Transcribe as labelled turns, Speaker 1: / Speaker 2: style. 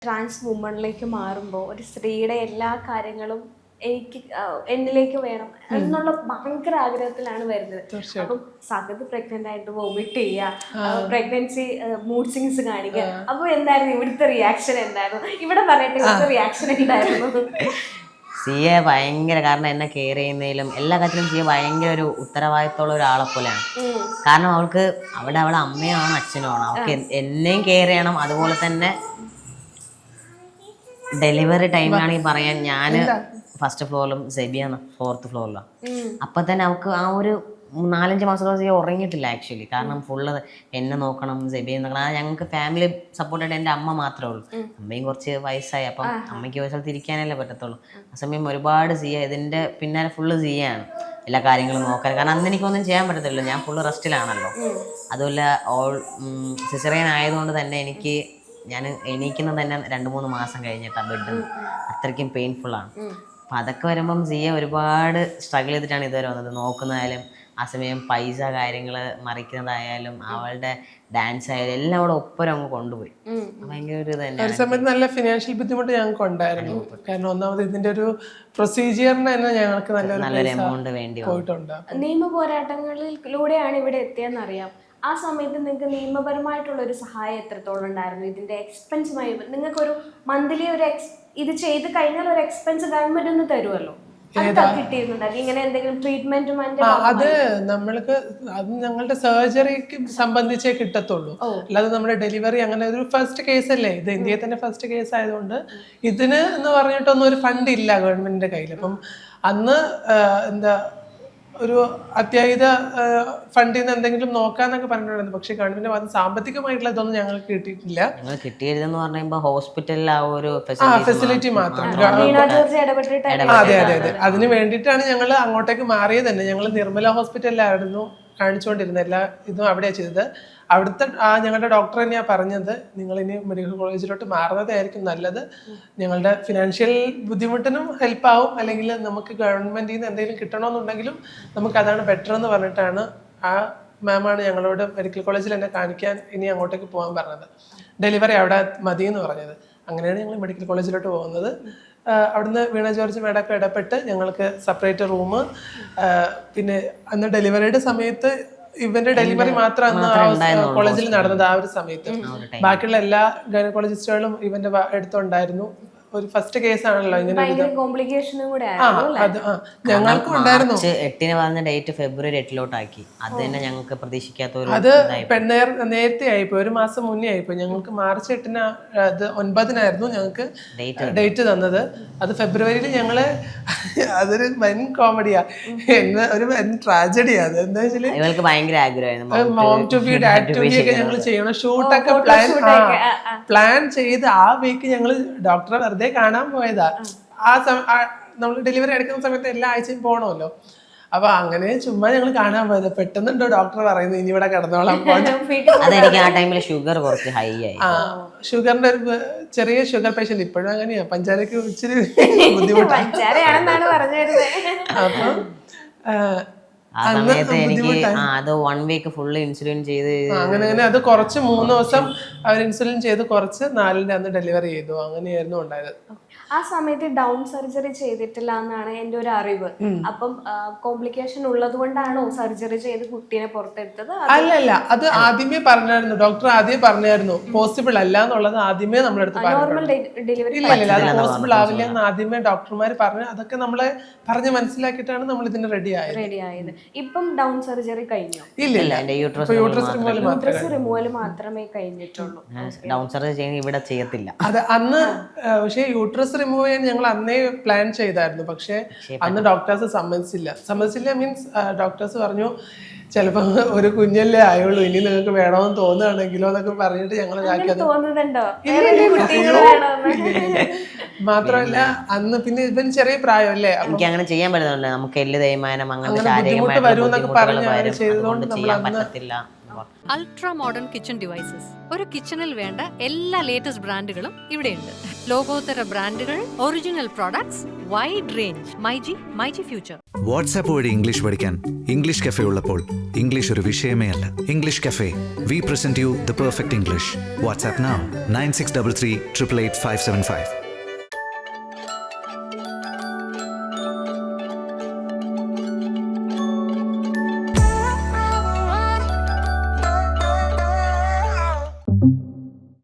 Speaker 1: Trans വുമണിലേക്ക് മാറുമ്പോൾ ഒരു സ്ത്രീയുടെ എല്ലാ കാര്യങ്ങളും എനിക്ക് എന്നിലേക്ക് വേണം എന്നുള്ള ഭയങ്കര ആഗ്രഹത്തിലാണ് വരുന്നത്. അപ്പം സകത്ത് പ്രഗ്നന്റ് ആയിട്ട് വോമിറ്റ് ചെയ്യുക, പ്രഗ്നൻസി മൂഡ് സ്വിങ്സ് കാണിക്കുക. അപ്പൊ എന്തായിരുന്നു ഇവിടുത്തെ റിയാക്ഷൻ? എന്തായിരുന്നു ഇവിടെ പറയട്ടെ, ഇവിടുത്തെ റിയാക്ഷൻ എന്തായിരുന്നു?
Speaker 2: സിയെ ഭയങ്കര, കാരണം എന്നെ കെയർ ചെയ്യുന്നതിലും എല്ലാ കാര്യത്തിലും സിയെ ഭയങ്കര ഒരു ഉത്തരവാദിത്തമുള്ള ഒരാളെ പോലെയാണ്. കാരണം അവൾക്ക് അവിടെ അവളെ അമ്മയാണ് അച്ഛനുമാണ്. അവൾക്ക് എന്നെയും കെയർ ചെയ്യണം. അതുപോലെ തന്നെ ഡെലിവറി ടൈമിലാണെങ്കിൽ പറയാൻ ഞാൻ ഫസ്റ്റ് ഫ്ലോറിലും സെബിയാണ് 4th ഫ്ലോറിലാണ്. അപ്പൊ തന്നെ അവൾക്ക് ആ ഒരു 4-5 മാസത്തോളം ഉറങ്ങിയിട്ടില്ല ആക്ച്വലി. കാരണം ഫുള്ള് എന്നെ നോക്കണം, സെബിയെ നോക്കണം. ഞങ്ങൾക്ക് ഫാമിലി സപ്പോർട്ടായിട്ട് എൻ്റെ അമ്മ മാത്രമേ ഉള്ളൂ. അമ്മയും കുറച്ച് വയസ്സായി, അപ്പം അമ്മയ്ക്ക് ഒരു സ്ഥലത്ത് ഇരിക്കാനല്ലേ പറ്റത്തുള്ളൂ. ആ സമയം ഒരുപാട് ഇതിൻ്റെ പിന്നാലെ ഫുള്ള് സിയാണ് എല്ലാ കാര്യങ്ങളും നോക്കാൻ. കാരണം അന്ന് എനിക്കൊന്നും ചെയ്യാൻ പറ്റത്തില്ലല്ലോ, ഞാൻ ഫുള്ള് റെസ്റ്റിലാണല്ലോ. അതുപോലെ സിസേറിയൻ ആയതുകൊണ്ട് തന്നെ ഞാൻ എണീക്കുന്നത് തന്നെ 2-3 മാസം കഴിഞ്ഞിട്ടാണ് ബെഡ്. അത്രയ്ക്കും പെയിൻഫുള്ളാണ്. അപ്പം അതൊക്കെ വരുമ്പം സിയെ ഒരുപാട് സ്ട്രഗിൾ ചെയ്തിട്ടാണ് ഇതുവരെ വന്നത്. നോക്കുന്നതായാലും ആ സമയം പൈസ കാര്യങ്ങൾ മറിക്കുന്നതായാലും അവളുടെ ഡാൻസ് ആയാലും എല്ലാം അവിടെ ഒപ്പരം അങ്ങ് കൊണ്ടുപോയി. ഭയങ്കര ഒരു ഇത് തന്നെ.
Speaker 3: ഒരു സമയത്ത് നല്ല ഫിനാൻഷ്യൽ ബുദ്ധിമുട്ട് ഞങ്ങൾക്ക് ഉണ്ടായിരുന്നു. കാരണം ഒന്നാമത് ഇതിന്റെ ഒരു പ്രൊസീജിയറിന് തന്നെ ഞങ്ങൾക്ക് നല്ലൊരു
Speaker 2: എമൗണ്ട് വേണ്ടി
Speaker 3: പോയിട്ടുണ്ട്.
Speaker 1: നിയമ പോരാട്ടങ്ങളിലൂടെയാണ് ഇവിടെ എത്തിയെന്നറിയാം. ആ സമയത്ത് നിങ്ങൾക്ക് നിയമപരമായിട്ടുള്ള ഒരു സഹായം എത്രത്തോളം ഉണ്ടായിരുന്നു? ഇതിന്റെ എക്സ്പെൻസുമായി നിങ്ങൾക്കൊരു മന്ത്ലി ഇത് ചെയ്ത് കഴിഞ്ഞാൽ ഒരു എക്സ്പെൻസ് ഗവൺമെന്റ് ഒന്ന് തരുമല്ലോ, കിട്ടിയിരുന്നുണ്ടാക്കി ഇങ്ങനെ എന്തെങ്കിലും ട്രീറ്റ്മെന്റും?
Speaker 3: അത് നമ്മൾക്ക് അത് ഞങ്ങളുടെ സർജറിക്ക് സംബന്ധിച്ചേ കിട്ടത്തുള്ളൂ. അല്ലാതെ നമ്മുടെ ഡെലിവറി അങ്ങനെ ഒരു ഫസ്റ്റ് കേസ് അല്ലേ ഇത്, ഇന്ത്യയിൽ തന്നെ ഫസ്റ്റ് കേസ് ആയതുകൊണ്ട് ഇതിന് എന്ന് പറഞ്ഞിട്ടൊന്നും ഒരു ഫണ്ട് ഇല്ല ഗവൺമെന്റിന്റെ കയ്യിൽ. അപ്പം അന്ന് എന്താ ഒരു അത്യാഹിത ഫണ്ടിൽ നിന്ന് എന്തെങ്കിലും നോക്കാന്നൊക്കെ പറഞ്ഞിട്ടുണ്ടായിരുന്നു. പക്ഷെ ഗവൺമെന്റ് ഭാഗത്ത് സാമ്പത്തികമായിട്ടുള്ള ഇതൊന്നും ഞങ്ങൾക്ക് കിട്ടിയിട്ടില്ല.
Speaker 2: കിട്ടിയതെന്ന് പറയുമ്പോൾ ഹോസ്പിറ്റലിൽ ആ ഒരു
Speaker 3: ഫെസിലിറ്റി മാത്രം. അതെ അതെ അതെ, അതിന് വേണ്ടിയിട്ടാണ് ഞങ്ങൾ അങ്ങോട്ടേക്ക് മാറിയത് തന്നെ. ഞങ്ങൾ നിർമ്മല ഹോസ്പിറ്റലിലായിരുന്നു കാണിച്ചുകൊണ്ടിരുന്നത്. എല്ലാ ഇതും അവിടെയാണ് ചെയ്തത്. അവിടുത്തെ ഞങ്ങളുടെ ഡോക്ടർ തന്നെയാണ് പറഞ്ഞത്, നിങ്ങളിനി മെഡിക്കൽ കോളേജിലോട്ട് മാറുന്നതായിരിക്കും നല്ലത്. ഞങ്ങളുടെ ഫിനാൻഷ്യൽ ബുദ്ധിമുട്ടിനും ഹെൽപ്പാവും, അല്ലെങ്കിൽ നമുക്ക് ഗവൺമെന്റിൽ നിന്ന് എന്തെങ്കിലും കിട്ടണമെന്നുണ്ടെങ്കിലും നമുക്ക് അതാണ് ബെറ്റർ എന്ന് പറഞ്ഞിട്ടാണ് ആ മാമാണ് ഞങ്ങളോട് മെഡിക്കൽ കോളേജിൽ എന്നെ കാണിക്കാൻ ഇനി അങ്ങോട്ടേക്ക് പോകാൻ പറഞ്ഞത്. ഡെലിവറി അവിടെ മതി എന്ന് പറഞ്ഞത്. അങ്ങനെയാണ് ഞങ്ങൾ മെഡിക്കൽ കോളേജിലോട്ട് പോകുന്നത്. അവിടുന്ന് വീണ ജോർജ് മേഡമൊക്കെ ഇടപെട്ട് ഞങ്ങൾക്ക് സെപ്പറേറ്റ് റൂം, പിന്നെ അന്ന് ഡെലിവറിയുടെ സമയത്ത് ഇവന്റെ ഡെലിവറി മാത്രം അന്ന് കോളേജിൽ നടന്നത്. ആ ഒരു സമയത്ത് ബാക്കിയുള്ള എല്ലാ ഗൈനക്കോളജിസ്റ്റുകളും ഇവന്റെ അടുത്തുണ്ടായിരുന്നു. ഒരു ഫസ്റ്റ് കേസ് ആണല്ലോ ഇങ്ങനെ. ഞങ്ങൾക്കും ഉണ്ടായിരുന്നു.
Speaker 2: 8-ന് പറഞ്ഞ ഡേറ്റ് ഫെബ്രുവരി 8-ലോട്ടാക്കി. അത് തന്നെ ഞങ്ങൾക്ക് പ്രതീക്ഷിക്കാത്ത.
Speaker 3: അത് നേരത്തെ ആയിപ്പോയി, ഒരു മാസം മുന്നേ ആയിപ്പോയി. ഞങ്ങൾക്ക് മാർച്ച് 8-ന് അത് 9-നായിരുന്നു ഞങ്ങൾക്ക് ഡേറ്റ് തന്നത്. അത് ഫെബ്രുവരിയിൽ ഞങ്ങള് അതൊരു വൻ കോമഡിയാ, ഒരു വൻ ട്രാജഡിയാ. അത് എന്താ വെച്ചാല്
Speaker 2: ഇവൾക്ക് ഭയങ്കര ആഗ്രഹമായിരുന്നു
Speaker 3: mom to be dad to be ഒക്കെ ഞങ്ങൾ ചെയ്യണം. ഷൂട്ടൊക്കെ പ്ലാൻ ചെയ്ത് ആ വീക്ക് ഞങ്ങള് ഡോക്ടറെ വെറുതെ കാണാൻ പോയതാ. നമ്മൾ ഡെലിവറി എടുക്കുന്ന സമയത്ത് എല്ലാ ആഴ്ചയും പോകണമല്ലോ. അപ്പൊ അങ്ങനെ ചുമ്മാ ഞങ്ങൾ കാണാൻ പോയത്. പെട്ടെന്നുണ്ടോ ഡോക്ടർ പറയുന്നത് ഇനി ഇവിടെ കിടന്നോളാം.
Speaker 2: അതെനിക്ക് ആ ടൈമിൽ ഷുഗർ കുറച്ച് ഹൈ ആയി.
Speaker 3: ഷുഗറിന്റെ ഒരു ചെറിയ ഷുഗർ പേഷ്യന്റ്. ഇപ്പോഴും അങ്ങനെയാ, പഞ്ചാരക്ക് ഇച്ചിരി ബുദ്ധിമുട്ടാണ്. അപ്പം
Speaker 2: ആ സമയത്ത് എനിക്ക് അത് 1 വീക്ക് ഫുള്ള് ഇൻസുലിൻ ചെയ്ത്
Speaker 3: അങ്ങനെ അത് കുറച്ച് 3 ദിവസം അവർ ഇൻസുലിൻ ചെയ്ത് കുറച്ച് 4-ന്റെ അന്ന് ഡെലിവറി ചെയ്തു. അങ്ങനെയായിരുന്നു ഉണ്ടായത്.
Speaker 1: ആ സമയത്ത് ഡൗൺ സർജറി ചെയ്തിട്ടില്ല എന്നാണ് എൻ്റെ ഒരു അറിവ്. അപ്പം കോംപ്ലിക്കേഷൻ ഉള്ളത് കൊണ്ടാണോ സർജറി ചെയ്ത് കുട്ടീനെ പുറത്തെടുത്തത്?
Speaker 3: അല്ലല്ല, അത് ആദ്യമേ പറഞ്ഞായിരുന്നു ഡോക്ടർ. ആദ്യമേ പറഞ്ഞായിരുന്നു പോസിബിൾ അല്ല എന്നുള്ളത് ആദ്യമേ നമ്മുടെ അടുത്ത്
Speaker 1: ഡെലിവറി
Speaker 3: ഇല്ല, അത് പോസിബിൾ ആവില്ല എന്ന് ആദ്യമേ ഡോക്ടർമാർ പറഞ്ഞു. അതൊക്കെ നമ്മളെ പറഞ്ഞ് മനസ്സിലാക്കിയിട്ടാണ് നമ്മൾ ഇതിന് റെഡി ആയത്.
Speaker 1: ഇപ്പം ഡൗൺ സർജറി കഴിഞ്ഞു?
Speaker 3: ഇല്ല,
Speaker 1: യൂട്രസ് റിമൂവൽ മാത്രമേ കഴിഞ്ഞിട്ടുള്ളൂ.
Speaker 2: ഡൗൺ സർജറി ചെയ്യാൻ ഇവിടെ ചെയ്യത്തില്ല.
Speaker 3: അത് അന്ന് പക്ഷേ യൂട്രസ് റിമൂവ് ചെയ്യാൻ ഞങ്ങൾ അന്നേ പ്ലാൻ ചെയ്തായിരുന്നു. പക്ഷെ അന്ന് ഡോക്ടേഴ്സ് സമ്മതിച്ചില്ല. മീൻസ് ഡോക്ടേഴ്സ് പറഞ്ഞു ചിലപ്പോ ഒരു കുഞ്ഞല്ലേ ആയുള്ളൂ, ഇനി നിങ്ങൾക്ക് വേണമെന്ന് തോന്നുകയാണെങ്കിലോ എന്നൊക്കെ പറഞ്ഞിട്ട് ഞങ്ങൾ മാത്രമല്ല അന്ന് പിന്നെ ഇവൻ ചെറിയ പ്രായമല്ലേ,
Speaker 2: എനിക്ക് അങ്ങനെ ചെയ്യാൻ പറ്റുന്നില്ല. നമുക്ക് എല്ല് തേയ്മാനം അങ്ങനത്തെ
Speaker 3: ബുദ്ധിമുട്ട് വരുമെന്നൊക്കെ പറഞ്ഞ് ചെയ്തതുകൊണ്ട്
Speaker 2: ചെയ്യാൻ പറ്റത്തില്ല.
Speaker 4: Ultra modern kitchen devices. ഒരു കിച്ചണിൽ വേണ്ട എല്ലാ ലേറ്റസ്റ്റ് ബ്രാൻഡുകളും ഇവിടെയുണ്ട്. ലോകോത്തര ബ്രാൻഡുകൾ, original products, wide range. MyG future.
Speaker 5: WhatsApp വഴി ഇംഗ്ലീഷ് പഠിക്കാൻ ഇംഗ്ലീഷ് കഫേ ഉള്ളപ്പോൾ ഇംഗ്ലീഷ് ഒരു വിഷയമേ അല്ല. English cafe, we present you the perfect English. WhatsApp now 9633 888 575.